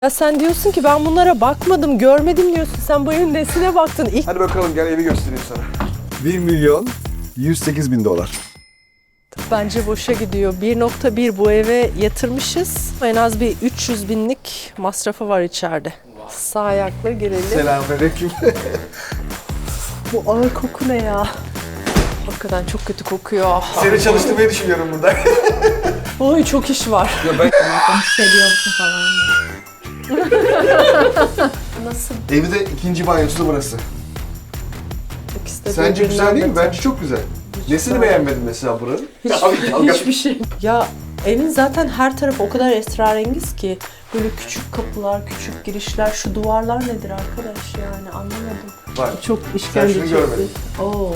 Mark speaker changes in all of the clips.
Speaker 1: Ya sen diyorsun ki ben bunlara bakmadım, görmedim diyorsun. Sen bu evin nesine baktın?
Speaker 2: Hadi bakalım gel evi göstereyim sana. 1.108.000 dolar.
Speaker 1: Bence boşa gidiyor. 1.1 bu eve yatırmışız. En az bir 300 binlik masrafı var içeride. Sağ ayakla girelim.
Speaker 2: Selamünaleyküm.
Speaker 1: Bu ağır koku ne ya? Hakikaten çok kötü kokuyor.
Speaker 2: Seni çalıştırmayı düşünüyorum burada.
Speaker 1: Oy çok iş var.
Speaker 2: Ya ben
Speaker 3: Hissediyorsun falan.
Speaker 1: Nasıl?
Speaker 2: evi de ikinci banyosu da burası.
Speaker 1: İkisi de
Speaker 2: Sence güzel
Speaker 1: birbirinden
Speaker 2: değil mi?
Speaker 1: beter.
Speaker 2: Bence çok güzel. Nesini beğenmedin mesela buranın?
Speaker 1: Hiçbir şey. Ya evin zaten her tarafı o kadar esrarengiz ki. Böyle küçük kapılar, küçük girişler. Şu duvarlar nedir arkadaş yani anlamadım.
Speaker 2: Bak,
Speaker 1: Çok
Speaker 2: sen
Speaker 1: işkence
Speaker 2: şunu
Speaker 1: çekti.
Speaker 2: görmedin.
Speaker 1: Oo.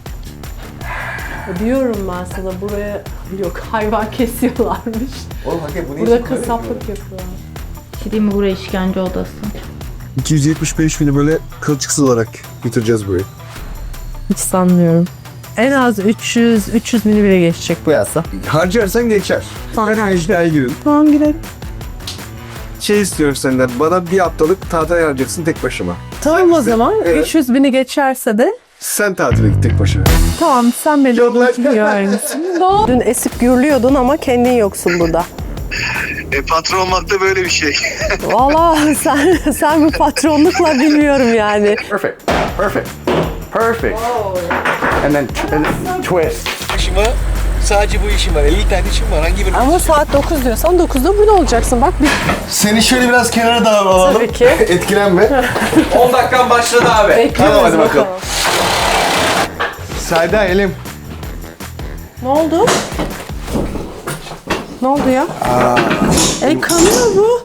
Speaker 1: Diyorum ben sana buraya yok hayvan kesiyorlarmış.
Speaker 2: Oğlum hakikaten bu ne
Speaker 1: Burada
Speaker 2: için böyle
Speaker 1: kasaplık
Speaker 2: yapıyorlar?
Speaker 1: yapıyorlar.
Speaker 3: Şey diyeyim mi, buraya işkence odası.
Speaker 2: 275 bini böyle kılçıksız olarak bitireceğiz burayı.
Speaker 1: Hiç sanmıyorum. En az 300 bini bile geçecek bu yasa.
Speaker 2: Harcarsan geçer. Ben iddiaya girin.
Speaker 1: Tamam girelim.
Speaker 2: Şey istiyorum senden, bana bir haftalık tatil ayarlayacaksın tek başıma.
Speaker 1: Tamam o zaman.
Speaker 2: Evet.
Speaker 1: 300 bini geçerse de
Speaker 2: Sen tatile git tek başına.
Speaker 1: tamam sen beni
Speaker 2: Yok lan.
Speaker 1: görmüşsün. Dün esip gürlüyordun ama kendin yoksun burada.
Speaker 4: Patron olmak da böyle bir şey.
Speaker 1: Valla sen bu patronlukla bilmiyorum yani.
Speaker 5: Perfect. Perfect. And then twist.
Speaker 6: İşim var. Sadece bu işim var. 50 tane işim var. Hangi birini?
Speaker 1: Ama saat 9 diyorsan 9'da burada olacaksın. Bak bir
Speaker 2: Seni şöyle biraz kenara da alalım.
Speaker 1: tabii ki.
Speaker 2: Etkilenme.
Speaker 6: 10 dakikan başladı abi.
Speaker 1: Bekliyoruz
Speaker 2: hadi bakalım.
Speaker 1: bakalım.
Speaker 2: Sayda elim.
Speaker 1: Ne oldu? Ne oldu ya? Kanıyor bu.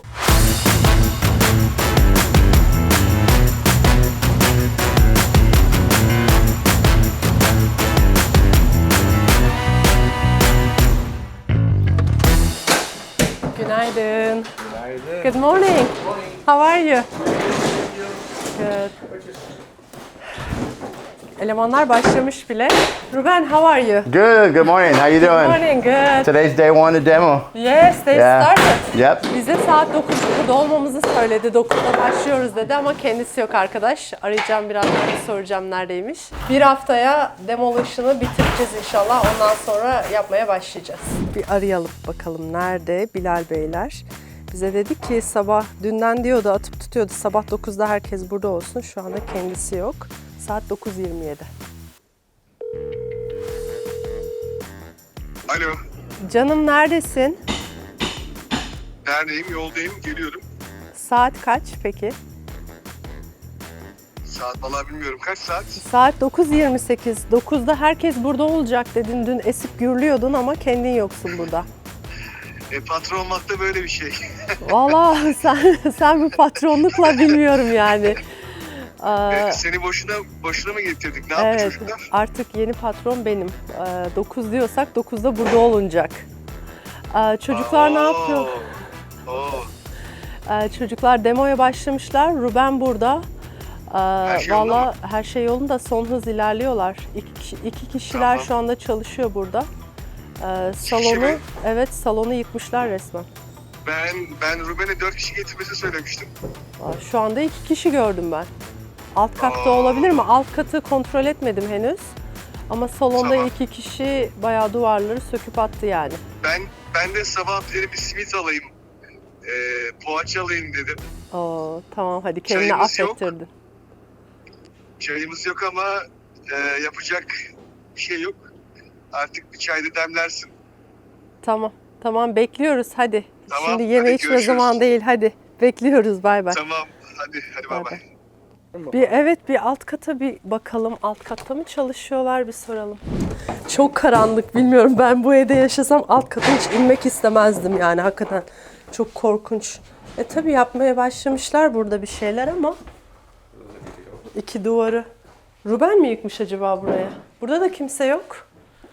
Speaker 1: Günaydın. Good morning. How are you? Good. Elemanlar başlamış bile. Ruben, how are you?
Speaker 5: Good. Good morning. How you
Speaker 1: Good
Speaker 5: doing?
Speaker 1: morning, good.
Speaker 5: Today's day one of demo.
Speaker 1: Yes, they
Speaker 5: Yeah.
Speaker 1: started.
Speaker 5: Yep.
Speaker 1: Bize saat 9'da olmamızı söyledi. 9'da başlıyoruz dedi ama kendisi yok arkadaş. Arayacağım birazdan soracağım neredeymiş. Bir haftaya demolition'ı bitireceğiz inşallah. Ondan sonra yapmaya başlayacağız. Bir arayalım bakalım nerede Bilal Beyler. Bize dedi ki sabah dünden diyordu atıp tutuyordu. Sabah 9'da herkes burada olsun. Şu anda kendisi yok. Saat 9:27.
Speaker 4: Alo.
Speaker 1: Canım neredesin?
Speaker 4: Neredeyim? Yoldayım. Geliyorum.
Speaker 1: Saat kaç peki?
Speaker 4: Saat vallahi bilmiyorum. Kaç saat?
Speaker 1: Saat 9:28. 9'da herkes burada olacak dedin. Dün esip gürlüyordun ama kendin yoksun burada.
Speaker 4: Patron olmak da böyle bir şey.
Speaker 1: Valla sen bu patronlukla bilmiyorum yani.
Speaker 4: Seni boşuna mı getirdik? Ne yaptı
Speaker 1: Evet,
Speaker 4: çocuklar?
Speaker 1: artık yeni patron benim. 9 diyorsak 9'da burada olunacak. Çocuklar ne yapıyor?
Speaker 4: Oo.
Speaker 1: Çocuklar demoya başlamışlar. Ruben burada.
Speaker 4: Her şey yolunda
Speaker 1: Valla her şey yolunda, son hız ilerliyorlar. İki kişiler
Speaker 4: Tamam.
Speaker 1: şu anda çalışıyor burada.
Speaker 4: kişi
Speaker 1: Salonu,
Speaker 4: mi?
Speaker 1: evet salonu yıkmışlar resmen.
Speaker 4: Ben Ruben'e 4 kişi getirmesi söylemiştim.
Speaker 1: Şu anda 2 kişi gördüm ben. Alt katta
Speaker 4: Aa.
Speaker 1: olabilir mi? Alt katı kontrol etmedim henüz. Ama salonda
Speaker 4: Tamam.
Speaker 1: 2 kişi bayağı duvarları söküp attı yani.
Speaker 4: Ben de sabah bir simit alayım. Poğaça alayım dedim.
Speaker 1: Oo, tamam hadi kendini
Speaker 4: Çayımız yok.
Speaker 1: affettirdin.
Speaker 4: Çayımız yok ama yapacak bir şey yok. Artık bir çay da demlersin.
Speaker 1: Tamam bekliyoruz hadi.
Speaker 4: Tamam,
Speaker 1: Şimdi yeme
Speaker 4: hadi
Speaker 1: içme
Speaker 4: görüşürüz.
Speaker 1: zaman değil hadi. Bekliyoruz bay bay.
Speaker 4: Tamam. Hadi bay bay.
Speaker 1: Bir alt kata bir bakalım. Alt katta mı çalışıyorlar bir soralım. Çok karanlık bilmiyorum. Ben bu evde yaşasam alt kata hiç inmek istemezdim yani hakikaten. Çok korkunç. Tabii yapmaya başlamışlar burada bir şeyler ama. İki duvarı. Ruben mi yıkmış acaba buraya? Burada da kimse yok.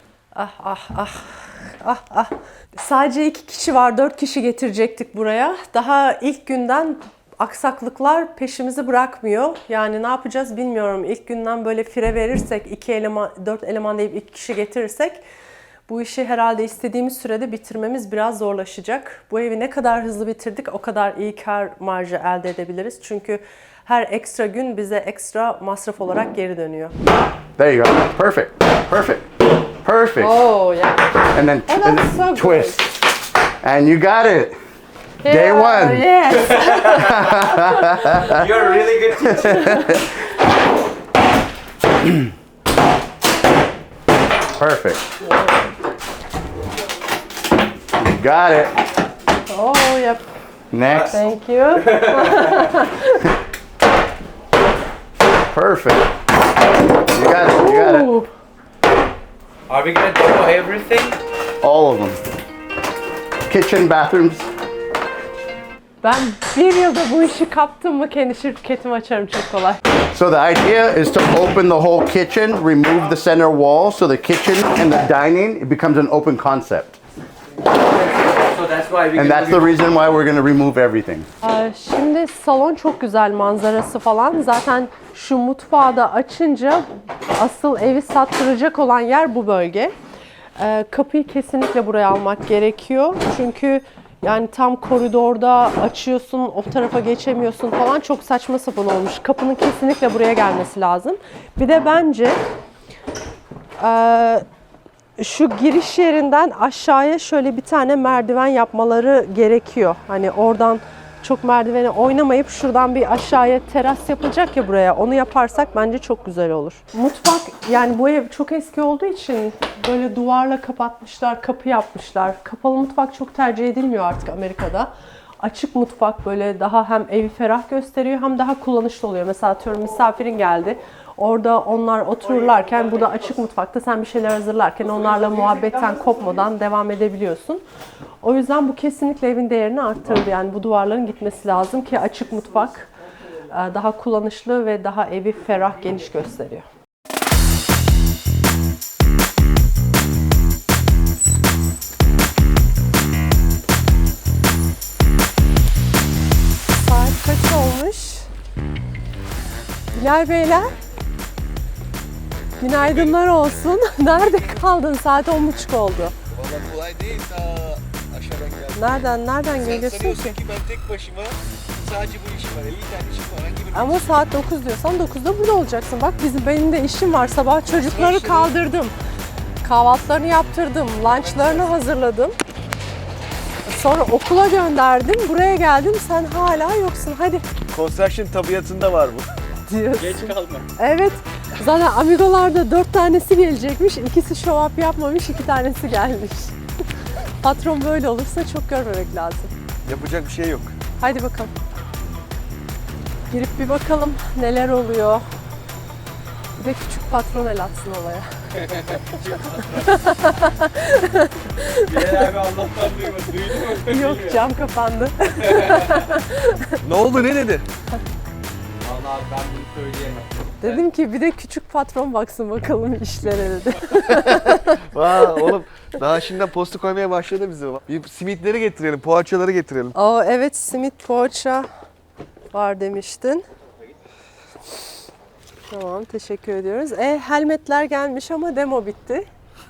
Speaker 1: Ah. Sadece 2 kişi var. 4 kişi getirecektik buraya. Daha ilk günden aksaklıklar peşimizi bırakmıyor. Yani ne yapacağız bilmiyorum. İlk günden böyle fire verirsek 4 eleman deyip 2 kişi getirirsek Bu işi herhalde istediğimiz sürede bitirmemiz biraz zorlaşacak. Bu evi ne kadar hızlı bitirdik o kadar iyi kar marjı elde edebiliriz. Çünkü her ekstra gün bize ekstra masraf olarak geri dönüyor.
Speaker 5: There you go. Perfect. Perfect. Perfect.
Speaker 1: Oh yeah.
Speaker 5: And then,
Speaker 1: Oh,
Speaker 5: and
Speaker 1: that's
Speaker 5: then
Speaker 1: so good.
Speaker 5: twist. And you got it. Day
Speaker 1: Yeah,
Speaker 5: one.
Speaker 1: Yes.
Speaker 6: You're a really good teacher.
Speaker 5: Perfect. You got it.
Speaker 1: Oh yep.
Speaker 5: Next.
Speaker 1: Thank you.
Speaker 5: Perfect. You got it. You got it.
Speaker 1: Ooh.
Speaker 6: Are we gonna demo everything?
Speaker 5: All of them. Kitchen, bathrooms.
Speaker 1: Ben bir yılda bu işi kaptım mı kendi şirketimi açarım çok kolay.
Speaker 5: So the idea is to open the whole kitchen, remove the center wall, so the kitchen and the dining, it becomes an open concept.
Speaker 6: So that's why we
Speaker 5: And that's the reason why we're gonna remove everything.
Speaker 1: Şimdi salon çok güzel manzarası falan. Zaten şu mutfağı da açınca asıl evi sattıracak olan yer bu bölge. Kapıyı kesinlikle buraya almak gerekiyor. Çünkü yani tam koridorda açıyorsun, o tarafa geçemiyorsun falan çok saçma sapan olmuş. Kapının kesinlikle buraya gelmesi lazım. Bir de bence şu giriş yerinden aşağıya şöyle bir tane merdiven yapmaları gerekiyor. Hani oradan çok merdiveni oynamayıp şuradan bir aşağıya teras yapılacak ya buraya. Onu yaparsak bence çok güzel olur. Mutfak yani bu ev çok eski olduğu için böyle duvarla kapatmışlar, kapı yapmışlar. Kapalı mutfak çok tercih edilmiyor artık Amerika'da. Açık mutfak böyle daha hem evi ferah gösteriyor hem daha kullanışlı oluyor. Mesela atıyorum misafirin geldi. Orada onlar otururlarken burada açık mutfakta sen bir şeyler hazırlarken onlarla muhabbetten kopmadan devam edebiliyorsun. O yüzden bu kesinlikle evin değerini arttırdı. Yani bu duvarların gitmesi lazım ki açık mutfak daha kullanışlı ve daha evi ferah, geniş gösteriyor. Saat kaç olmuş? Bilal Beyler, günaydınlar olsun. Nerede kaldın? Saat 10.30 oldu.
Speaker 6: Valla kolay değil. Ta aşağıdan geldim.
Speaker 1: Nereden
Speaker 6: Sen
Speaker 1: geliyorsun
Speaker 6: sanıyorsun
Speaker 1: ki?
Speaker 6: ki ben tek başıma sadece bu işim var. 50 tane işim var. Hangi birini
Speaker 1: Ama saat 9 diyorsan 9'da burada olacaksın. Bak benim de işim var. Sabah çocukları kaldırdım. Kahvaltılarını yaptırdım. Lunchlarını hazırladım. Sonra okula gönderdim. Buraya geldim. Sen hala yoksun. Hadi
Speaker 2: Construction tabiatında var bu.
Speaker 1: diyorsun.
Speaker 6: geç kalma.
Speaker 1: Evet. Zaten Amigo'larda 4 tanesi gelecekmiş. İkisi show up yapmamış. 2 tanesi gelmiş. Patron böyle olursa çok görmemek lazım.
Speaker 2: Yapacak bir şey yok.
Speaker 1: Haydi bakalım. Girip bir bakalım neler oluyor. Bir de küçük patron el atsın olaya.
Speaker 6: Bilal abi Allah'tan duymadı. Duydun mu?
Speaker 1: Yok cam kapandı.
Speaker 2: Ne oldu, ne dedi?
Speaker 6: Valla abi ben bunu söyleyemem.
Speaker 1: Dedim ki bir de küçük patron baksın bakalım işlere dedi.
Speaker 2: Vaa oğlum, daha şimdiden posta koymaya başladı bize. Bir simitleri getirelim, poğaçaları getirelim.
Speaker 1: Aa evet simit poğaça var demiştin. Tamam teşekkür ediyoruz. Helmetler gelmiş ama demo bitti.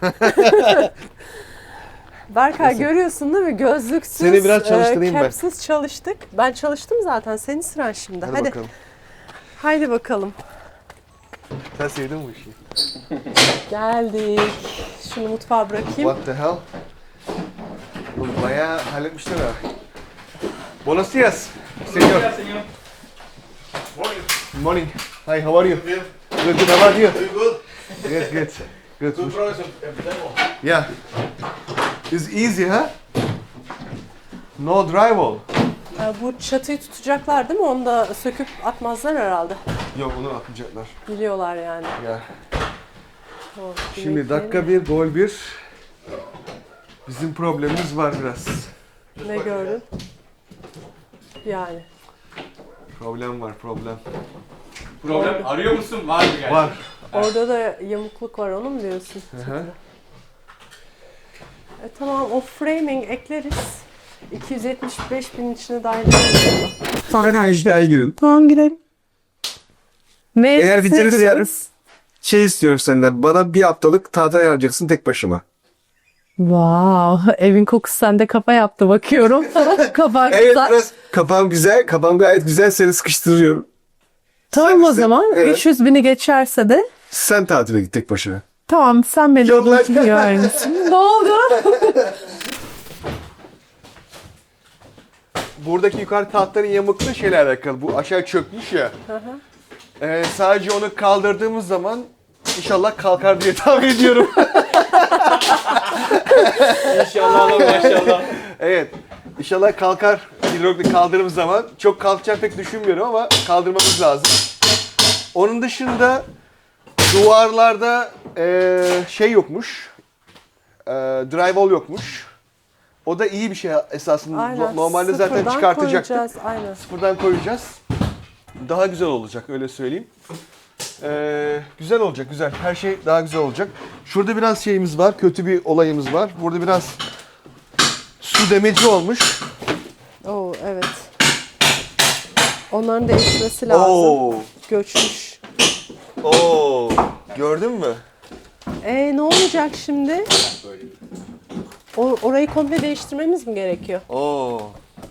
Speaker 1: Berkay görüyorsun değil mi? Gözlüksüz,
Speaker 2: Seni biraz çalıştırayım ben.
Speaker 1: capsiz çalıştık. Ben çalıştım zaten. Senin sıran şimdi.
Speaker 2: Hadi,
Speaker 1: Hadi.
Speaker 2: bakalım.
Speaker 1: Haydi bakalım.
Speaker 2: Sen sevdin mi bu işi?
Speaker 1: Geldik. Şunu mutfağa bırakayım.
Speaker 2: What the hell? Oğlum bayağı halletmişler ha. Buenos dias, señor. Good morning. Hi, how are you? Good, good. How about you?
Speaker 4: Good.
Speaker 2: Good, good. Good.
Speaker 4: Progress.
Speaker 2: Yeah. It's easy, huh? No drywall.
Speaker 1: Bu çatıyı tutacaklar değil mi? Onu da söküp atmazlar herhalde.
Speaker 2: Yok, onu atmayacaklar.
Speaker 1: Biliyorlar yani.
Speaker 2: Ya.
Speaker 1: Tamam,
Speaker 2: Şimdi dakika 1, gol 1. Bizim problemimiz var biraz.
Speaker 1: Ne gördün? Yani.
Speaker 2: Problem var, problem.
Speaker 6: Problem arıyor musun? Var mı yani?
Speaker 2: Var.
Speaker 1: Orada da yamukluk var onu mu diyorsun?
Speaker 2: Hı.
Speaker 1: Tamam o framing ekleriz. 275 bin içine dahil ederiz.
Speaker 2: Sonra işler girin.
Speaker 1: Tamam girelim.
Speaker 2: Eğer bitirirse yarın şey istiyorum senden. Bana bir haftalık tatil ayarlayacaksın tek başıma.
Speaker 1: Wow, evin kokusu sende kafa yaptı bakıyorum. Kafa
Speaker 6: Evet biraz kafam güzel. Kafam gayet güzel. Seni sıkıştırıyorum.
Speaker 1: Tamam o zaman
Speaker 6: Evet.
Speaker 1: 300 bini geçerse de
Speaker 6: Sen tatile git tek başına.
Speaker 1: tamam sen beni
Speaker 6: Yok lan.
Speaker 1: unutmuyor musun? Ne oldu?
Speaker 2: Buradaki yukarı tahtların yamuklu şeyle alakalı. Bu aşağı çökmüş ya. Sadece onu kaldırdığımız zaman inşallah kalkar diye tahmin ediyorum.
Speaker 6: İnşallah maşallah.
Speaker 2: Evet. İnşallah kalkar hidrolik kaldırdığımız zaman. Çok kalkacağını pek düşünmüyorum ama kaldırmamız lazım. Onun dışında duvarlarda şey yokmuş. Drywall yokmuş. O da iyi bir şey esasında.
Speaker 1: Aynen.
Speaker 2: Normalde zaten
Speaker 1: Sıfırdan
Speaker 2: çıkartacaktık.
Speaker 1: koyacağız, aynen.
Speaker 2: Sıfırdan koyacağız. Daha güzel olacak öyle söyleyeyim. Güzel olacak güzel. Her şey daha güzel olacak. Şurada biraz şeyimiz var. Kötü bir olayımız var. Burada biraz su demeci olmuş.
Speaker 1: Oo evet. Onların değişmesi lazım.
Speaker 2: Oo.
Speaker 1: Göçmüş.
Speaker 2: Oo. Gördün mü?
Speaker 1: Ne olacak şimdi? Orayı komple değiştirmemiz mi gerekiyor?
Speaker 2: Oo.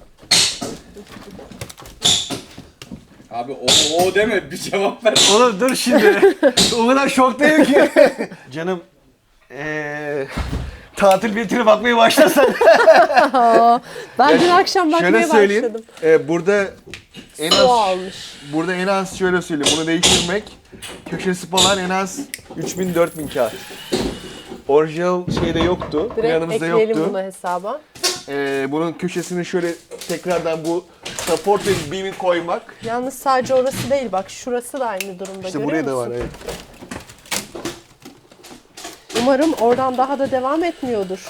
Speaker 7: Abi o deme bir cevap ver.
Speaker 2: Oğlum dur şimdi. O kadar şoktayım ki. Canım tatil biletine bakmaya başlasan.
Speaker 1: Ben dün akşam bakmaya
Speaker 2: Şöyle söyleyeyim.
Speaker 1: başladım.
Speaker 2: Burada en
Speaker 1: Su
Speaker 2: az
Speaker 1: almış.
Speaker 2: burada en az şöyle söyleyeyim. Bunu değiştirmek köşesi falan en az 3000-4000 kağıt. Orijinal şeyde yoktu.
Speaker 1: Direkt
Speaker 2: Yanımızda
Speaker 1: ekleyelim
Speaker 2: yoktu.
Speaker 1: bunu hesaba.
Speaker 2: Bunun köşesini şöyle tekrardan bu support ve beam'i koymak.
Speaker 1: Yalnız sadece orası değil bak şurası da aynı durumda
Speaker 2: İşte
Speaker 1: görüyor
Speaker 2: buraya da
Speaker 1: musun?
Speaker 2: var evet.
Speaker 1: Umarım oradan daha da devam etmiyordur.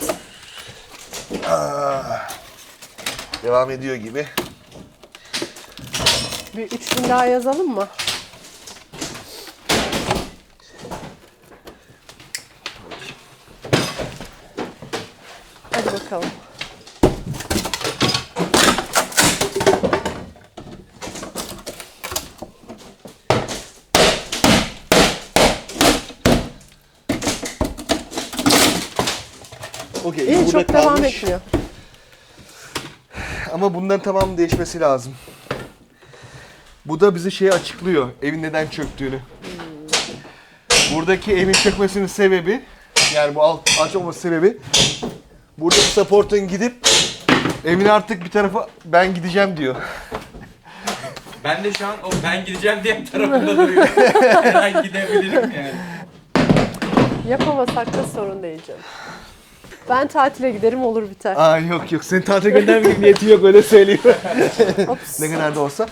Speaker 2: Devam ediyor gibi.
Speaker 1: Bir 3000 daha yazalım mı? Hadi bakalım.
Speaker 2: Okey.
Speaker 1: İyi
Speaker 2: burada
Speaker 1: çok devam
Speaker 2: kalmış.
Speaker 1: etmiyor.
Speaker 2: Ama bunların tamamı değişmesi lazım. Bu da bize şeyi açıklıyor. Evin neden çöktüğünü. Buradaki evin çökmesinin sebebi, yani bu alçak olması sebebi, buradaki support'un gidip evin artık bir tarafa ben gideceğim diyor.
Speaker 7: Ben de şu an o ben gideceğim diye tarafında duruyorum. Her an gidebilirim yani.
Speaker 1: Yapamasak da sorun değil canım. Ben tatile giderim olur biter.
Speaker 2: Aa yok yok, senin tatile göndermek niyeti yok, öyle söyleyeyim.
Speaker 1: Ops.
Speaker 2: Ne kadar da olsa.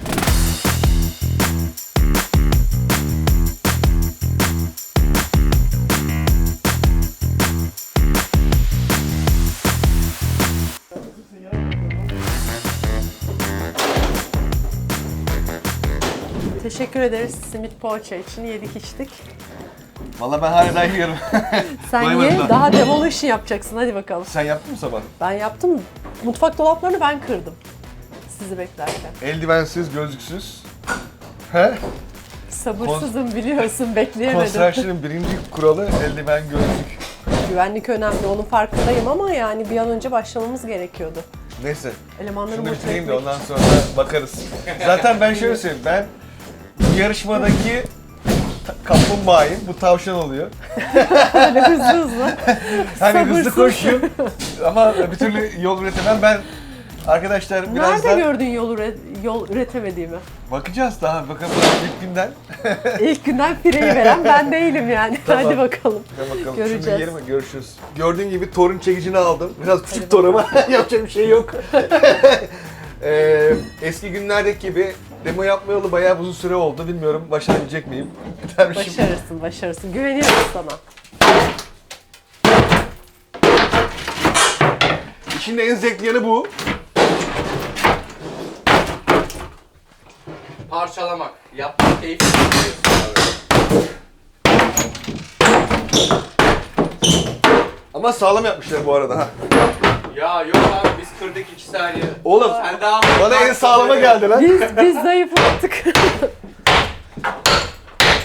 Speaker 1: Teşekkür ederiz simit poğaça için yedik içtik.
Speaker 2: Vallahi ben hala yiyorum.
Speaker 1: Sen
Speaker 2: Doymadım
Speaker 1: ye
Speaker 2: daha.
Speaker 1: daha demolition yapacaksın hadi bakalım.
Speaker 2: Sen yaptın mı sabah?
Speaker 1: Ben yaptım. Mutfak dolaplarını ben kırdım. Sizi beklerken.
Speaker 2: Eldivensiz, gözlüksüz. He?
Speaker 1: Sabırsızım biliyorsun bekleyemedim.
Speaker 2: Construction'ın birinci kuralı eldiven, gözlük.
Speaker 1: Güvenlik önemli onun farkındayım ama yani bir an önce başlamamız gerekiyordu.
Speaker 2: Neyse.
Speaker 1: Elemanları
Speaker 2: Şunu
Speaker 1: motive
Speaker 2: bitireyim de
Speaker 1: etmek
Speaker 2: ondan sonra bakarız. Zaten ben şöyle söyleyeyim, ben bu yarışmadaki kaplumbağayım, bu tavşan oluyor.
Speaker 1: böyle hızlı hızlı.
Speaker 2: Hani hızlı
Speaker 1: Sabırsız.
Speaker 2: koşuyorum ama bir türlü yol üretemem. Ben arkadaşlar biraz
Speaker 1: Nerede
Speaker 2: da
Speaker 1: gördün yol üretemediğimi?
Speaker 2: bakacağız daha bakalım ilk günden.
Speaker 1: İlk günden fireyi veren ben değilim yani.
Speaker 2: Tamam.
Speaker 1: Hadi bakalım.
Speaker 2: Bakalım.
Speaker 1: Göreceğiz.
Speaker 2: Şimdi yerime görüşürüz. Gördüğün gibi torun çekicini aldım. Biraz küçük torun ama yapacak bir şey yok. Eski günlerdeki gibi demo yapmayalı bayağı uzun süre oldu. Bilmiyorum başarabilecek miyim? Dermişim.
Speaker 1: Başarırsın, başarırsın. Güveniyoruz sana.
Speaker 2: İçinde en zevkli yanı bu.
Speaker 7: Parçalamak. Yapmak keyifli. abi.
Speaker 2: Ama sağlam yapmışlar bu arada ha.
Speaker 7: Ya yok abi biz kırdık 2 saniye.
Speaker 2: Oğlum
Speaker 7: Sen daha
Speaker 2: bana en sağlama geldi lan.
Speaker 1: Biz zayıflattık.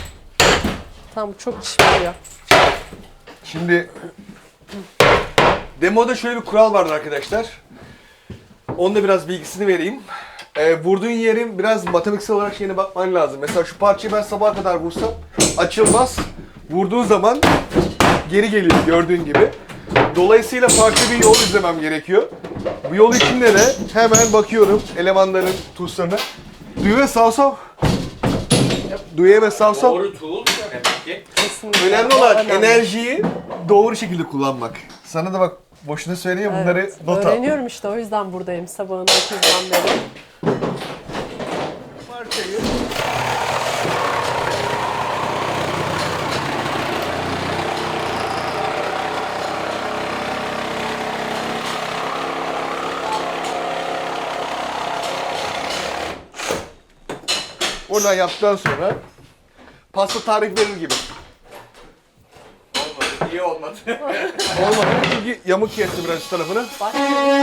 Speaker 1: Tamam çok çişmiyor.
Speaker 2: Şimdi Demoda şöyle bir kural vardı arkadaşlar. Onun da biraz bilgisini vereyim. Vurduğun yerin biraz matematiksel olarak şeyine bakman lazım. Mesela şu parçayı ben sabaha kadar vursam açılmaz. Vurduğun zaman geri geliyor gördüğün gibi. Dolayısıyla farklı bir yol izlemem gerekiyor. Bu yol içinde de hemen bakıyorum elemanların tuşlarına. Düğme sağ sol. Düğme sağ sol.
Speaker 7: Doğru tool demek ki.
Speaker 1: Kesinlikle.
Speaker 2: Önemli olan
Speaker 1: Önemli.
Speaker 2: enerjiyi doğru şekilde kullanmak. Sana da bak boşuna söyleyeyim bunları
Speaker 1: Evet,
Speaker 2: not al.
Speaker 1: öğreniyorum işte, o yüzden buradayım sabahın 9'dan beri.
Speaker 2: Parçayı oradan yaptıktan sonra pasta tarif verir gibi.
Speaker 7: Olmadı. İyi olmadı.
Speaker 2: Olmadı çünkü yamuk kesti biraz şu tarafını.
Speaker 1: Bak.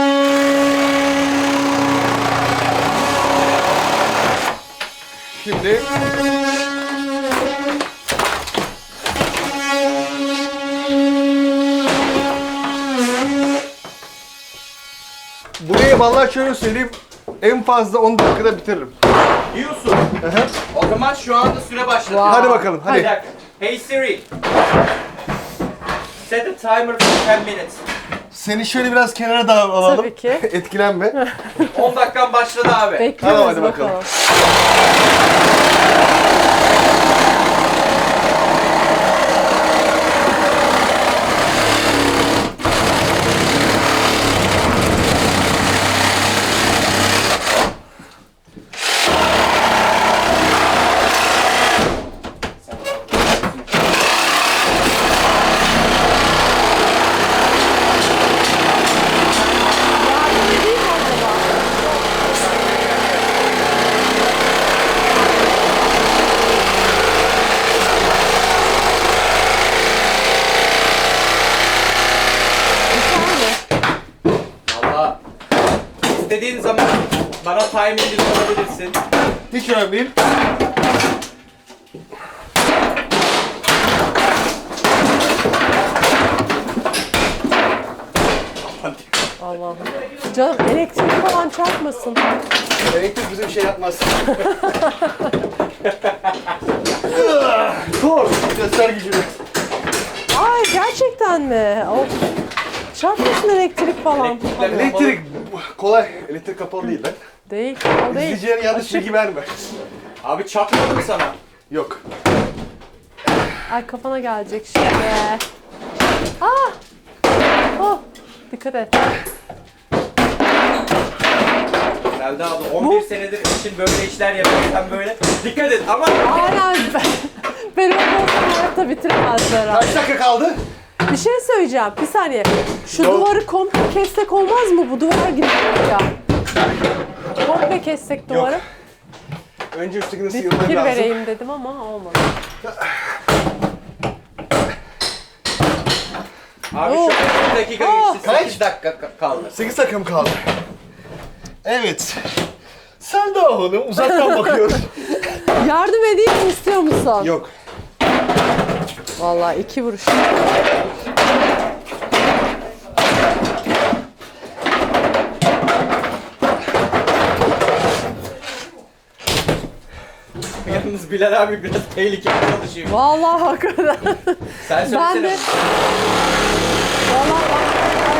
Speaker 2: Şimdi burayı vallahi şöyle söyleyeyim, en fazla 10 dakikada bitiririm.
Speaker 7: Diyorsun. O zaman şu anda süre başladı.
Speaker 2: Hadi bakalım,
Speaker 7: Bir
Speaker 2: hadi.
Speaker 7: dakika. Hey Siri. Set a timer for 10 minutes.
Speaker 2: Seni şöyle biraz kenara da alalım.
Speaker 1: Tabii ki.
Speaker 2: Etkilenme.
Speaker 7: 10 dakikan başladı abi.
Speaker 1: Bekliyoruz
Speaker 2: Tamam, hadi
Speaker 1: bakalım.
Speaker 2: bakalım.
Speaker 1: Yardım edeyim mi acaba? Bir saniye.
Speaker 7: Valla. İstediğin zaman bana timing'i sorabilirsin.
Speaker 2: Hiç önemli değil.
Speaker 1: Allah'ım. Canım elektrik falan çarpmasın.
Speaker 2: Elektrik bize bir şey yapmaz. Dur, göster gücünü.
Speaker 1: Ay gerçekten mi? Of. Çarpmasın elektrik falan.
Speaker 2: Elektrik kolay. Elektrik kapalı değil lan.
Speaker 1: Değil, o değil.
Speaker 2: İzleyicilere yanlış
Speaker 1: Açık.
Speaker 2: bilgi verme.
Speaker 7: Abi çakmadı mı sana?
Speaker 2: Yok.
Speaker 1: Ay kafana gelecek şimdi. Ah! Oh! Dikkat et.
Speaker 7: Selda abla 11 senedir için böyle işler yapıyor. Sen böyle dikkat et ama
Speaker 1: Aynen. Benim olsam hayatta bitiremezler ha.
Speaker 2: Kaç dakika kaldı?
Speaker 1: Bir şey söyleyeceğim. Bir saniye. Şu
Speaker 2: Yok.
Speaker 1: duvarı komple kessek olmaz mı? Bu duvara gidiyor ya. Komple kessek duvarı.
Speaker 2: Önce üsttekini
Speaker 1: Bir
Speaker 2: sıyırman
Speaker 1: fikir
Speaker 2: lazım.
Speaker 1: vereyim dedim ama olmadı.
Speaker 7: abi
Speaker 1: Oh.
Speaker 7: şu an 2 dakika
Speaker 1: Oh.
Speaker 7: geçti.
Speaker 2: Kaç?
Speaker 7: 8 dakika kaldı.
Speaker 2: 8 dakika mı kaldı? Evet. Sen de hanım uzaktan bakıyorsun.
Speaker 1: Yardım edeyim mi, istiyor musun?
Speaker 2: Yok.
Speaker 1: Vallahi 2 vuruş.
Speaker 7: Yalnız Bilal abi biraz tehlikeli çalışıyor.
Speaker 1: Vallahi hakikaten.
Speaker 7: Sen söylesene.
Speaker 1: Ben de... Vallahi bak.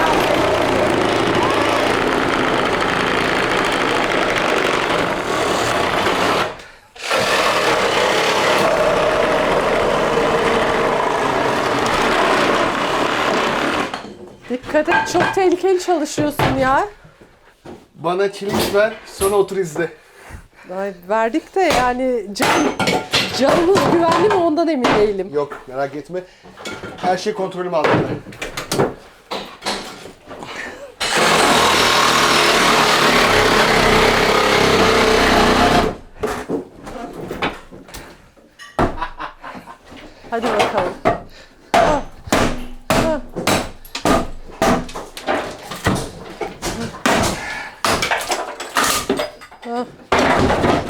Speaker 1: Dikkat et, çok tehlikeli çalışıyorsun ya.
Speaker 2: Bana çilek ver, sonra otur izle.
Speaker 1: Ay, verdik de yani canımız güvenli mi ondan emin değilim.
Speaker 2: Yok, merak etme. Her şey kontrolüm altında.
Speaker 1: Hadi bakalım. Ah, ah. Ah.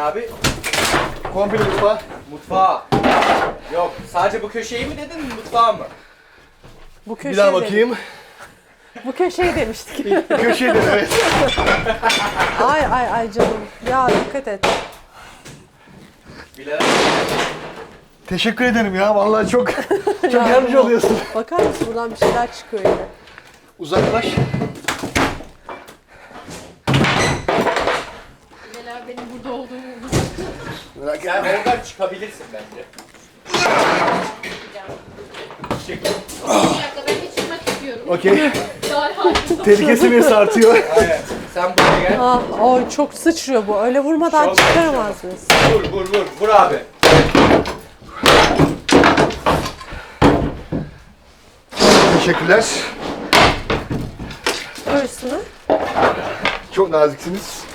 Speaker 7: abi?
Speaker 2: Komple mutfağı.
Speaker 7: Mutfağa. Yok, sadece bu köşeyi mi dedin, mutfağı mı?
Speaker 1: Bu köşeye
Speaker 2: Bir daha
Speaker 1: dedik.
Speaker 2: bakayım.
Speaker 1: Bu köşeyi demiştik.
Speaker 2: Köşede evet.
Speaker 1: Ay canım. Ya dikkat et.
Speaker 7: Bilal
Speaker 2: Teşekkür ederim ya. Vallahi çok
Speaker 1: Ya,
Speaker 2: yardımcı oluyorsun.
Speaker 1: Bakar mısın buradan bir şeyler çıkıyor yine.
Speaker 2: Uzaklaş.
Speaker 3: Neler benim burada olduğumu
Speaker 2: Merak
Speaker 7: sen
Speaker 2: etme.
Speaker 7: oradan çıkabilirsin bence. Çık.
Speaker 3: Bir dakika ben bir çıkmak istiyorum.
Speaker 2: Okey.
Speaker 3: Daha hakim.
Speaker 2: Tehlike seviyesi artıyor.
Speaker 7: Aynen. Sen buraya gel.
Speaker 1: Ah, oy çok sıçrıyor bu. Öyle vurmadan
Speaker 7: Şov
Speaker 1: çıkaramaz mıyız?
Speaker 7: Vur abi.
Speaker 2: Teşekkürler.
Speaker 1: Koy üstüne.
Speaker 2: Çok naziksiniz.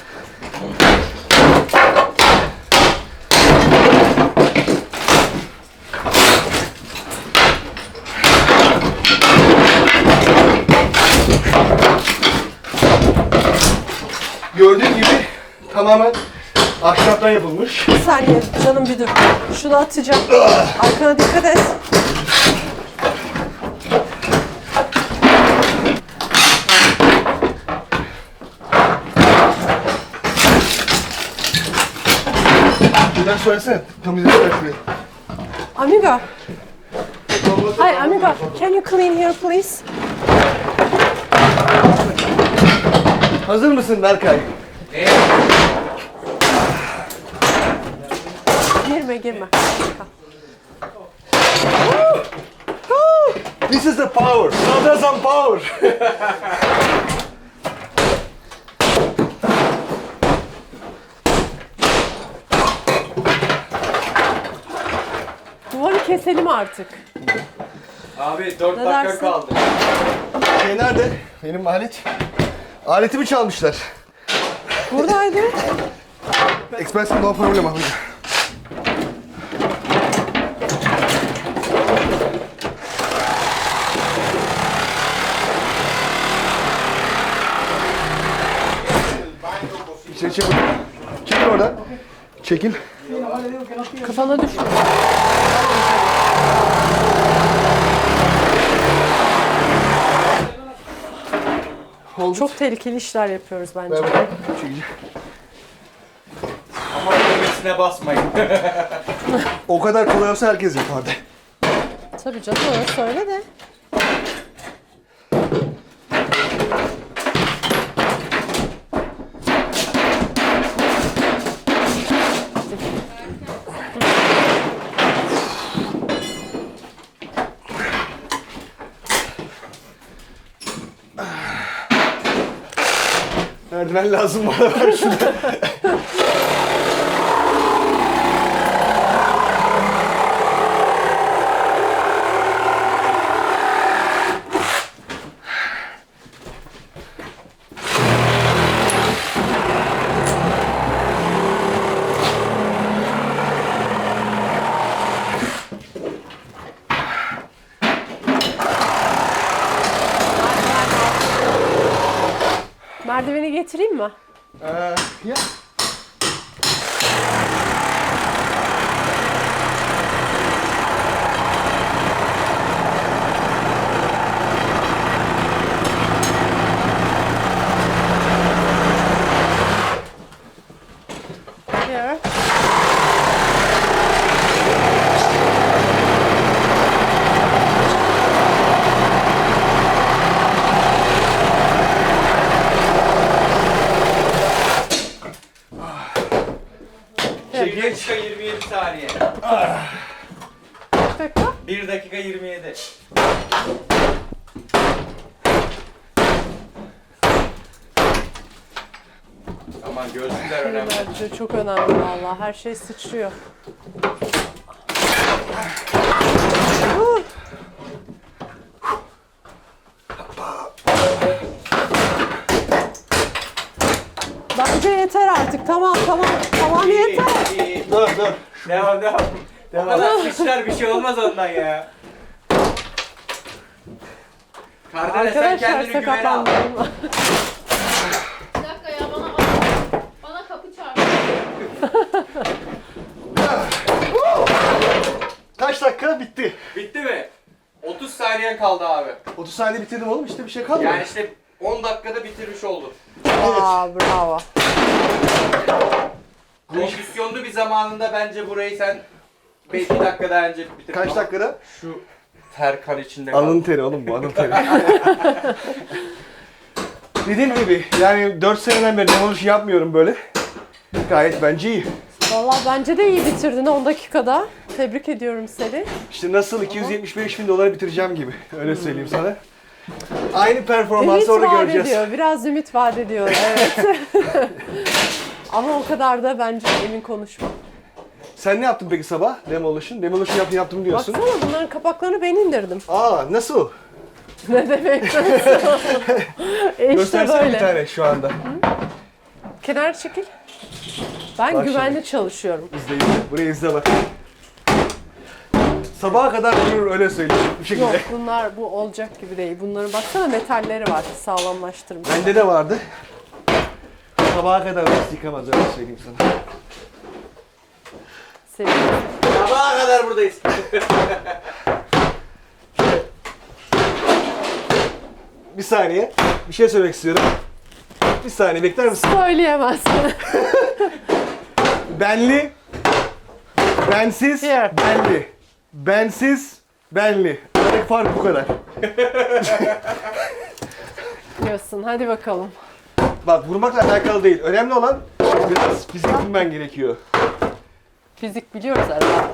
Speaker 2: Gördüğün gibi tamamen ahşaptan yapılmış.
Speaker 1: Bir saniye canım bir dur. Şunu atacağım. Arkana dikkat et.
Speaker 2: Şuradan söylesene. Temizlemişler şurayı.
Speaker 1: Amigo. Hi amigo. Can you clean here please?
Speaker 2: Hazır mısın Berkay?
Speaker 1: Girme.
Speaker 2: This is the power. Sadrazam power.
Speaker 1: Duvarı keselim artık.
Speaker 7: Abi 4
Speaker 1: Ne
Speaker 7: dakika
Speaker 1: dersin?
Speaker 7: kaldı.
Speaker 2: Şey nerede? Benim alet. Aletimi çalmışlar.
Speaker 1: Buradaydı.
Speaker 2: Expensive no problem abi. İçeri çek. Çekil oradan. Çekil.
Speaker 1: Kafana düştü.
Speaker 2: Oldu.
Speaker 1: Çok tehlikeli işler yapıyoruz bence.
Speaker 2: Ver bakalım. Çekil.
Speaker 7: Ama düğmesine basmayın.
Speaker 2: O kadar kolay olsa herkes yapardı.
Speaker 1: Tabii canım öyle söyle de.
Speaker 2: Merdiven lazım bana ver şunu.
Speaker 1: Merdiveni getireyim mi?
Speaker 2: Ya.
Speaker 1: Here.
Speaker 7: Bir dakika 27 saniye.
Speaker 1: Kaç dakika?
Speaker 7: 1 dakika 27. Aman gözlükler önemli.
Speaker 1: Bence çok önemli vallahi. Her şey sıçrıyor. Bence yeter artık. Tamam yeter.
Speaker 2: Dur.
Speaker 7: Devam. O kadar sıçrar bir şey olmaz ondan ya. Kardelen sen
Speaker 1: Arkadaşlar
Speaker 7: kendini güvene al.
Speaker 1: sakatlandım.
Speaker 3: Bir dakika ya bana kapı çarptı.
Speaker 2: Kaç dakika? Bitti.
Speaker 7: Bitti mi? 30 saniye kaldı abi.
Speaker 2: 30 saniye bitirdim oğlum, işte bir şey kalmadı.
Speaker 7: Yani işte 10 dakikada bitirmiş oldum.
Speaker 1: Aa, bravo.
Speaker 7: Kondisyonlu bir zamanında bence burayı sen 5 dakikada önce bitirdin.
Speaker 2: Kaç
Speaker 7: ama
Speaker 2: dakikada?
Speaker 7: Şu ter kan içinde kaldı.
Speaker 2: Alın teri oğlum, bu alın teri. Dediğim gibi yani 4 seneden beri demolish yapmıyorum böyle. Gayet bence iyi.
Speaker 1: Vallahi bence de iyi bitirdin 10 dakikada. Tebrik ediyorum seni.
Speaker 2: İşte nasıl 275 bin dolara bitireceğim gibi. Öyle söyleyeyim sana. Aynı performansı
Speaker 1: Ümit
Speaker 2: orada
Speaker 1: vaat
Speaker 2: göreceğiz.
Speaker 1: ediyor. Biraz ümit vaat ediyor. Evet. Ama o kadar da bence emin konuşma.
Speaker 2: Sen ne yaptın peki sabah? Demolition yaptım diyorsun.
Speaker 1: Baksana bunların kapaklarını ben indirdim.
Speaker 2: Aa, nasıl?
Speaker 1: Ne demek? işte
Speaker 2: Göstersene bir
Speaker 1: böyle.
Speaker 2: tane şu anda.
Speaker 1: Kenar çekil. Ben
Speaker 2: Bak
Speaker 1: güvenli çalışıyorum.
Speaker 2: İzle. Burayı izle bak. Sabaha kadar durur, öyle söyleyeyim bu şekilde.
Speaker 1: Yok bunlar bu olacak gibi değil. Bunların baksana metalleri var sağlamlaştırmış.
Speaker 2: Bende de vardı. Sabaha kadar nasıl yıkamaz, öyle söyleyeyim sana.
Speaker 1: Seviyorum.
Speaker 7: Sabaha kadar buradayız.
Speaker 2: Bir saniye. Bir şey söylemek istiyorum. Bir saniye bekler misin?
Speaker 1: Söyleyemezsin.
Speaker 2: Benli. Bensiz.
Speaker 1: Here.
Speaker 2: Benli. Bensiz. Benli. Aradaki fark bu kadar.
Speaker 1: Diyorsun. Hadi bakalım.
Speaker 2: Bak, vurmakla alakalı değil. Önemli olan biraz fizik bilmen gerekiyor.
Speaker 1: Fizik biliyoruz herhalde.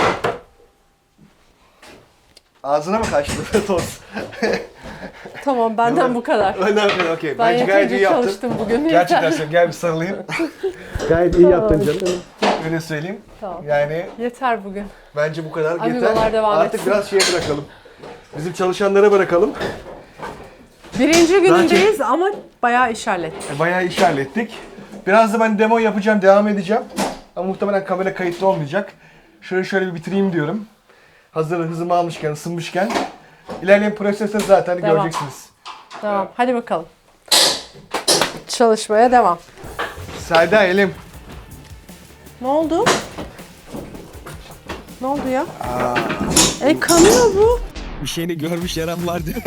Speaker 2: Ağzına mı kaçtı toz?
Speaker 1: Tamam benden bu kadar.
Speaker 2: Önemli, okey.
Speaker 1: Ben
Speaker 2: Bence gayet iyi
Speaker 1: yeterince
Speaker 2: yaptın.
Speaker 1: çalıştım bugün.
Speaker 2: Gerçekten
Speaker 1: Yeter.
Speaker 2: söylüyorum. Gel bir sarılayım. Gayet iyi yaptın
Speaker 1: Tamam,
Speaker 2: canım. Öyle söyleyeyim.
Speaker 1: Tamam.
Speaker 2: Yani
Speaker 1: Yeter bugün.
Speaker 2: bence bu kadar
Speaker 1: Amigolar
Speaker 2: yeter.
Speaker 1: devam
Speaker 2: Artık
Speaker 1: etsin.
Speaker 2: biraz şeye bırakalım. Bizim çalışanlara bırakalım.
Speaker 1: Birinci günündeyiz ama bayağı iş hallettik.
Speaker 2: Bayağı iş hallettik. Biraz da ben demo yapacağım, devam edeceğim. Ama muhtemelen kamera kayıtlı olmayacak. Şöyle bir bitireyim diyorum. Hazır hızımı almışken, ısınmışken. İlerleyen proseste zaten
Speaker 1: Devam.
Speaker 2: göreceksiniz.
Speaker 1: Tamam hadi bakalım. Çalışmaya devam.
Speaker 2: Selda, elim.
Speaker 1: Ne oldu? Ne oldu ya? Kanıyor bu.
Speaker 6: Bir şeyini görmüş yaran var diyor.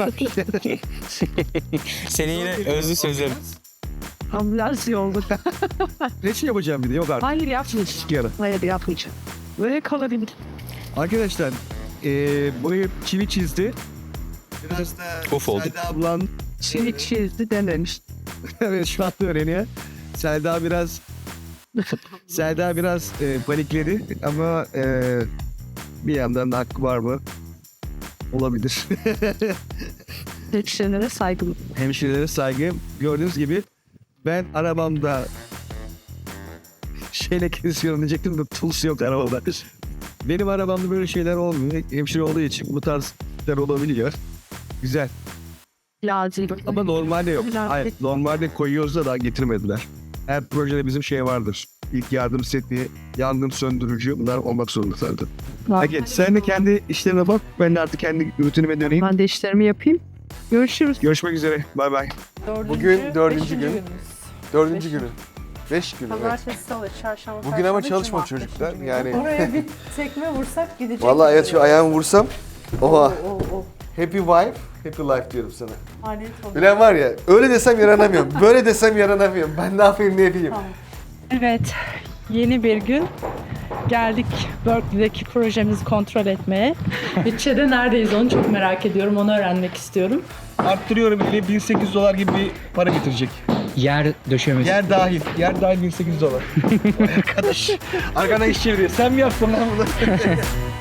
Speaker 7: Senin yine özlü sözlerin.
Speaker 8: Ambulans yolduk.
Speaker 6: Reçin yapacağım bir de, yok artık.
Speaker 8: Hayır yapmayacağım.
Speaker 6: Yarın.
Speaker 8: Hayır yapmayacağım. Böyle kalabilir.
Speaker 6: Arkadaşlar burayı çivi çizdi. Biraz da
Speaker 7: Of oldu.
Speaker 6: Selda ablan
Speaker 8: Çivi çizdi dememiş.
Speaker 6: evet şu anda öğreniyor. Selda biraz panikledi ama bir yandan da hakkı var mı? Olabilir.
Speaker 8: Hemşirelere saygılı.
Speaker 6: Hemşirelere saygı. Gördüğünüz gibi ben arabamda şeyle kesiyorum diyecektim de tools yok arabamda. Benim arabamda böyle şeyler olmuyor. Hemşire olduğu için bu tarz şeyler olabiliyor. Güzel.
Speaker 8: Lazım.
Speaker 6: Ama normalde yok.
Speaker 8: Güzel.
Speaker 6: Hayır, normalde koyuyoruz da daha getirmediler. Her projede bizim şey vardır. İlk yardım seti, yangın söndürücü, bunlar olmak zorunda zaten. Peki sen de kendi işlerine bak. Ben de artık kendi rutinime döneyim.
Speaker 8: Ben de işlerimi yapayım. Görüşürüz.
Speaker 6: Görüşmek üzere. Bay bay.
Speaker 2: Bugün dördüncü
Speaker 1: beşinci
Speaker 2: gün.
Speaker 1: günümüz.
Speaker 2: 4.
Speaker 1: Beş.
Speaker 2: günü. 5 gün. Evet.
Speaker 1: Pazartesi, salı, çarşamba,
Speaker 2: Bugün
Speaker 1: perşembe,
Speaker 2: ama çalışma
Speaker 1: cuma.
Speaker 2: çocuklar,
Speaker 1: Beşinci
Speaker 2: yani.
Speaker 1: gün. Oraya bir tekme vursak gidecek.
Speaker 2: Vallahi evet, şu ayağımı vursam. Oha.
Speaker 1: O.
Speaker 2: Happy wife, happy life diyorum sana.
Speaker 1: Maliyet olur.
Speaker 2: Bilen var ya, öyle desem yaranamıyorum. Böyle desem yaranamıyorum. Ben ne yapayım, ne yapayım.
Speaker 9: Evet, yeni bir gün. Geldik Berkeley'deki projemizi kontrol etmeye. Bütçede neredeyiz onu çok merak ediyorum, onu öğrenmek istiyorum.
Speaker 6: Arttırıyorum bile $1.800 gibi bir para getirecek.
Speaker 7: Yer döşemesi.
Speaker 6: Yer dahil. Yer dahil $1.800. Arkadaş. Arkana iş çeviriyor. Sen mi yaptın lan bunu?